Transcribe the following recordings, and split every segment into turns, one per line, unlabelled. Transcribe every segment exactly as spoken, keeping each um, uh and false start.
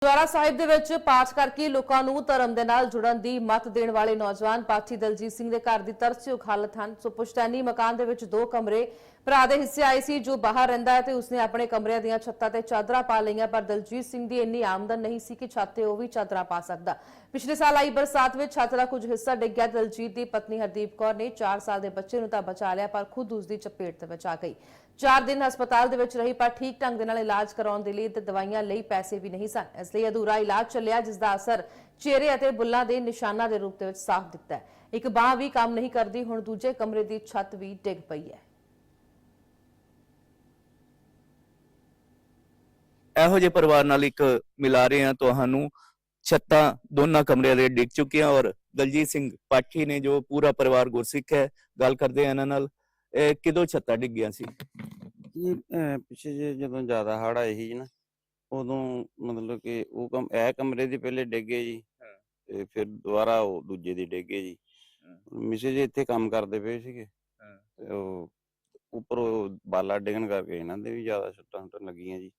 ਗੁਰਦੁਆਰਾ ਸਾਹਿਬ ਦੇ ਵਿੱਚ ਪਾਠ ਕਰਕੇ ਲੋਕਾਂ ਨੂੰ ਧਰਮ ਦੇ ਨਾਲ ਜੁੜਨ ਦੀ ਮੱਤ ਦੇਣ ਵਾਲੇ ਨੌਜਵਾਨ ਪਾਠੀ ਦਲਜੀਤ ਸਿੰਘ ਦੇ ਘਰ ਦੀ ਤਰਸਯੋਗ ਹਾਲਤ ਹਨ। ਸੋ ਪੁਸ਼ਤੈਨੀ ਮਕਾਨ ਦੇ ਵਿੱਚ ਦੋ ਕਮਰੇ ਭਰਾ ਦੇ ਹਿੱਸੇ ਆਏ ਸੀ, ਜੋ ਬਾਹਰ ਰਹਿੰਦਾ ਹੈ ਤੇ ਉਸਨੇ ਆਪਣੇ ਕਮਰਿਆਂ ਦੀਆਂ ਛੱਤਾਂ ਤੇ ਚਾਦਰਾਂ ਪਾ ਲਈਆਂ, ਪਰ ਦਲਜੀਤ ਸਿੰਘ ਦੀ ਇੰਨੀ ਆਮਦਨ ਨਹੀਂ ਸੀ ਕਿ ਛੱਤ ਤੇ ਉਹ ਵੀ ਚਾਦਰਾਂ ਪਾ ਸਕਦਾ। ਪਿਛਲੇ ਸਾਲ ਆਈ ਬਰਸਾਤ ਵਿੱਚ ਛੱਤ ਦਾ ਕੁਝ ਹਿੱਸਾ ਡਿੱਗ ਗਿਆ। ਦਲਜੀਤ ਦੀ ਪਤਨੀ ਹਰਦੀਪ ਕੌਰ ਨੇ ਚਾਰ ਸਾਲ ਦੇ ਬੱਚੇ ਨੂੰ ਤਾਂ ਬਚਾ ਲਿਆ, ਪਰ ਖੁਦ ਉਸ ਦੀ ਚਪੇਟ ਤੇ ਬਚ ਗਈ। ਚਾਰ ਦਿਨ ਹਸਪਤਾਲ ਦੇ ਵਿੱਚ ਰਹੀ, ਪਰ ਠੀਕ ਢੰਗ ਦੇ ਨਾਲ ਇਲਾਜ ਕਰਾਉਣ ਦੇ ਲਈ ਤੇ ਦਵਾਈਆਂ ਲਈ ਪੈਸੇ ਵੀ ਨਹੀਂ ਸਨ। ਇਸ ਲਈ ਅਧੂਰਾ ਇਲਾਜ ਚੱਲਿਆ, ਜਿਸ ਦਾ ਅਸਰ ਚਿਹਰੇ ਅਤੇ ਬੁੱਲਾਂ ਦੇ ਨਿਸ਼ਾਨਾਂ ਦੇ ਰੂਪ ਦੇ ਵਿੱਚ ਸਾਫ਼ ਦਿਖਦਾ ਹੈ। ਇੱਕ ਬਾਂਹ ਵੀ ਕੰਮ ਨਹੀਂ ਕਰਦੀ। ਹੁਣ ਦੂਜੇ ਕਮਰੇ ਦੀ ਛੱਤ ਵੀ ਡਿੱਗ ਪਈ ਹੈ।
ਇਹੋ ਜਿਹੇ ਪਰਿਵਾਰ ਨਾਲ ਇੱਕ ਮਿਲਾ ਰਹੇ ਹਾਂ ਤੁਹਾਨੂੰ। ਛੱਤਾਂ ਦੋਨਾਂ ਕਮਰਿਆਂ ਦੇ ਡਿੱਗ ਚੁੱਕੀਆਂ ਔਰ ਦਲਜੀਤ ਸਿੰਘ ਪਾਠੀ ਨੇ, ਜੋ ਪੂਰਾ ਪਰਿਵਾਰ ਗੁਰਸਿੱਖ ਹੈ, ਗੱਲ ਕਰਦੇ ਆ ਇਹਨਾਂ ਨਾਲ। ਇਹ ਕਿਦੋਂ ਛੱਤਾਂ ਡਿੱਗੀਆਂ ਸੀ?
ਇਹ ਪਿੱਛੇ ਜੇ ਜਦੋਂ ਜ਼ਿਆਦਾ ਹੜ੍ਹ ਆਏ ਸੀ ਨਾ, ਉਦੋਂ ਮਤਲਬ ਕਿ ਉਹ ਕਮ ਇਹ ਕਮਰੇ ਦੇ ਪਹਿਲੇ ਡਿੱਗੇ ਜੀ, ਤੇ ਫਿਰ ਦੁਬਾਰਾ ਉਹ ਦੂਜੇ ਦੀ ਡਿੱਗੇ ਜੀ। ਮਿਸੇ ਜੀ ਇੱਥੇ ਕੰਮ ਕਰਦੇ ਪਏ ਸੀਗੇ, ਤੇ ਉਹ ਉੱਪਰੋਂ ਬਾਲਾ ਡਿੱਗਣ ਕਰਕੇ ਇਹਨਾਂ ਦੇ ਵੀ ਜ਼ਿਆਦਾ ਛੱਟਾਂ ਛੁੱਟਾਂ ਲੱਗੀਆਂ ਜੀ।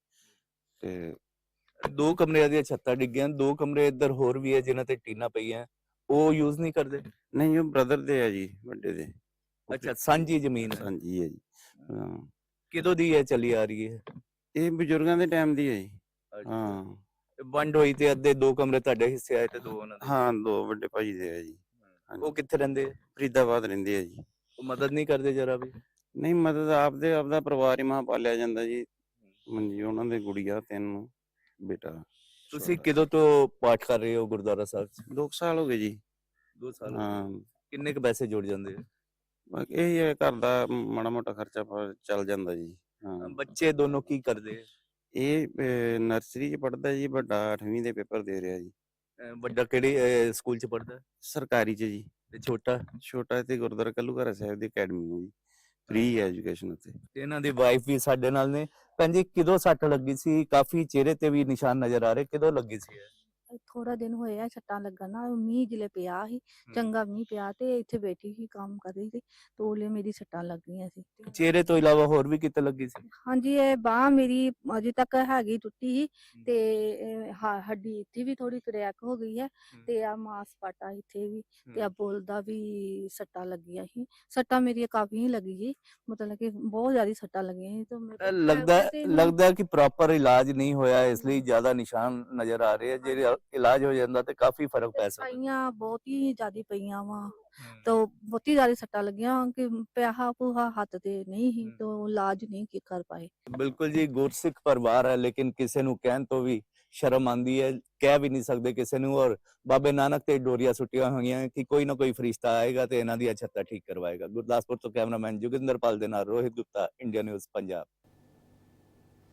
ਤੇ
ਦੋ ਕਮਰਿਆਂ ਦੀਆਂ ਛੱਤਾਂ ਡਿੱਗੀਆਂ, ਦੋ ਕਮਰੇ ਇੱਧਰ ਹੋਰ ਵੀ ਹੈ ਜਿਨ੍ਹਾਂ ਤੇ ਟੀਨਾਂ ਪਈਆਂ, ਉਹ ਯੂਜ਼ ਨਹੀਂ ਕਰਦੇ?
ਨਹੀਂ, ਉਹ ਬ੍ਰਦਰ ਦੇ ਆ ਜੀ, ਵੱਡੇ ਦੇ।
ਅੱਛਾ, ਸਾਂਝੀ ਜ਼ਮੀਨ ਹੈ।
ਸਾਂਝੀ ਹੈ ਜੀ। ਹਾਂ,
ਕਿਦੋਂ ਦੀ ਇਹ ਚੱਲੀ ਆ ਰਹੀ ਹੈ?
ਇਹ ਬਜ਼ੁਰਗਾਂ ਦੇ ਟਾਈਮ ਦੀ ਹੈ ਜੀ। ਹਾਂ,
ਵੰਡ ਹੋਈ ਤੇ ਅੱਧੇ ਦੋ ਕਮਰੇ ਤੁਹਾਡੇ ਹਿੱਸੇ ਆਏ ਤੇ ਦੋ ਉਹਨਾਂ ਦੇ?
ਹਾਂ, ਦੋ ਵੱਡੇ ਭਾਜੀ ਦੇ ਆ ਜੀ।
ਉਹ ਕਿੱਥੇ ਰਹਿੰਦੇ?
ਫਰੀਦਾਬਾਦ ਰਹਿੰਦੇ ਆ ਜੀ।
ਉਹ ਮਦਦ ਨਹੀਂ ਕਰਦੇ ਜਰਾ ਵੀ?
ਨਹੀਂ, ਮਦਦ ਆਪਦੇ ਆਪਦਾ ਪਰਿਵਾਰ ਹੀ ਮਹਾਂ ਪਾਲਿਆ ਜਾਂਦਾ ਜੀ। ਹਾਂਜੀ, ਉਹਨਾਂ ਦੇ ਗੁੜੀਆ, ਤਿੰਨ ਬੇਟਾ।
ਤੁਸੀਂ ਕਿਦੋਂ ਤੋਂ ਪਾਠ ਕਰ ਰਹੇ ਹੋ ਗੁਰਦੁਆਰਾ ਸਾਹਿਬ ਚ?
ਦੋ ਸਾਲ ਹੋ ਗਏ ਜੀ।
ਦੋ ਸਾਲ?
ਹਾਂ।
ਕਿੰਨੇ ਕੁ ਪੈਸੇ ਜੁੜ ਜਾਂਦੇ?
ਬਾਕੀ ਇਹੀ ਹੈ, ਘਰ ਦਾ ਮਾੜਾ ਮੋਟਾ ਖਰਚਾ ਚੱਲ ਜਾਂਦਾ ਜੀ। ਹਾਂ।
ਬੱਚੇ ਦੋਨੋਂ ਕੀ ਕਰਦੇ?
ਇਹ ਨਰਸਰੀ ਚ ਪੜ੍ਹਦਾ ਜੀ, ਵੱਡਾ ਅੱਠਵੀਂ ਦੇ ਪੇਪਰ ਦੇ ਰਿਹਾ ਜੀ।
ਵੱਡਾ ਕਿਹੜੇ ਸਕੂਲ ਚ ਪੜ੍ਹਦਾ?
ਸਰਕਾਰੀ ਚ ਜੀ।
ਤੇ ਛੋਟਾ?
ਛੋਟਾ ਇੱਥੇ ਗੁਰਦੁਆਰਾ ਕੱਲੂਘਾਰਾ ਸਾਹਿਬ ਦੀ ਅਕੈਡਮੀ ਹੈ ਜੀ, ਫ੍ਰੀ ਐਜੂਕੇਸ਼ਨ ਉੱਥੇ।
ਇਹਨਾਂ ਦੀ ਵਾਈਫ ਵੀ ਸਾਡੇ ਨਾਲ ਨੇ। ਭੈਣ ਜੀ, ਕਿਦੋਂ ਸੱਟ ਲੱਗੀ ਸੀ? ਕਾਫੀ ਚਿਹਰੇ ਤੇ ਵੀ ਨਿਸ਼ਾਨ ਨਜ਼ਰ ਆ ਰਹੇ, ਕਿਦੋਂ ਲੱਗੀ ਸੀ?
ਥੋੜਾ ਦਿਨ ਹੋਇਆ ਛੱਟਾਂ ਲੱਗਣ ਨਾਲ। ਮੀਂਹ ਜਿਲੇ ਪਿਆ ਸੀ, ਚੰਗਾ ਮੀਂਹ ਪਿਆ, ਤੇ ਇੱਥੇ ਬੈਠੀ ਸੀ, ਕੰਮ ਕਰ ਰਹੀ ਸੀ, ਤੋਲੇ ਮੇਰੀ ਛੱਟਾਂ ਲੱਗੀਆਂ ਸੀ।
ਚਿਹਰੇ ਤੋਂ ਇਲਾਵਾ ਹੋਰ ਵੀ ਕਿਤੇ ਲੱਗੀ ਸੀ?
ਹਾਂਜੀ, ਇਹ ਬਾਂਹ ਮੇਰੀ ਅਜੇ ਤੱਕ ਹੈਗੀ ਟੁੱਟੀ ਸੀ, ਤੇ ਹੱਡੀ ਇੱਥੇ ਵੀ ਥੋੜੀ ਕਰੈਕ ਹੋ ਗਈ ਹੈ, ਤੇ ਆ ਮਾਸਪਾਟਾ ਇੱਥੇ ਵੀ, ਤੇ ਆ ਬੁੱਲ ਦਾ ਵੀ ਸੱਟਾਂ ਲੱਗੀਆਂ ਸੀ। ਸੱਟਾਂ ਮੇਰੀਆਂ ਕਾਫੀ ਲੱਗੀ ਸੀ, ਮਤਲਬ ਕਿ ਬਹੁਤ ਜ਼ਿਆਦਾ ਸੱਟਾਂ ਲੱਗੀਆਂ ਸੀ। ਤੇ
ਲੱਗਦਾ ਲੱਗਦਾ ਕਿ ਪ੍ਰੋਪਰ ਇਲਾਜ ਨਹੀਂ ਹੋਇਆ, ਇਸ ਲਈ ਜ਼ਿਆਦਾ ਨਿਸ਼ਾਨ ਨਜ਼ਰ ਆ ਰਹੇ ਆ। ਜੇ ਇਲਾਜ ਹੋ ਜਾਂਦਾ ਤੇ ਕਾਫੀ ਫਰਕ ਪੈ ਸਕਦਾ।
ਪਈਆਂ ਬਹੁਤ ਹੀ ਜ਼ਿਆਦਾ ਪਈਆਂ ਵਾ, ਤਾਂ ਬਹੁਤੀ ਜ਼ਿਆਦਾ ਸੱਟਾਂ ਲੱਗੀਆਂ ਕਿ ਪਿਆਹਾ ਪੂਹਾ ਹੱਥ ਤੇ ਨਹੀਂ ਸੀ, ਤਾਂ ਇਲਾਜ ਨਹੀਂ ਕਰ ਪਾਏ।
ਬਿਲਕੁਲ ਜੀ, ਗੁਰਸਿੱਖ ਪਰਿਵਾਰ ਹੈ, ਲੇਕਿਨ ਕਿਸੇ ਨੂੰ ਕਹਿਣ ਤੋਂ ਵੀ ਸ਼ਰਮ ਆਉਂਦੀ ਹੈ, ਕਹਿ ਵੀ ਨਹੀਂ ਸਕਦੇ ਕਿਸੇ ਨੂੰ। ਔਰ ਬਾਬੇ ਨਾਨਕ ਤੇ ਡੋਰੀਆਂ ਸੁੱਟੀਆਂ ਹੋਈਆਂ ਕਿ ਕੋਈ ਨਾ ਕੋਈ ਫਰਿਸ਼ਤਾ ਆਏਗਾ ਤੇ ਇਹਨਾਂ ਦੀ ਛੱਤਾਂ ਠੀਕ ਕਰਵਾਏਗਾ। ਗੁਰਦਾਸਪੁਰ ਤੋਂ ਕੈਮਰਾਮੈਨ ਜੋਗਿੰਦਰਪਾਲ ਦੇ ਨਾਲ ਰੋਹਿਤ ਗੁਪਤਾ, ਇੰਡੀਆ ਨਿਊਜ਼ ਪੰਜਾਬ।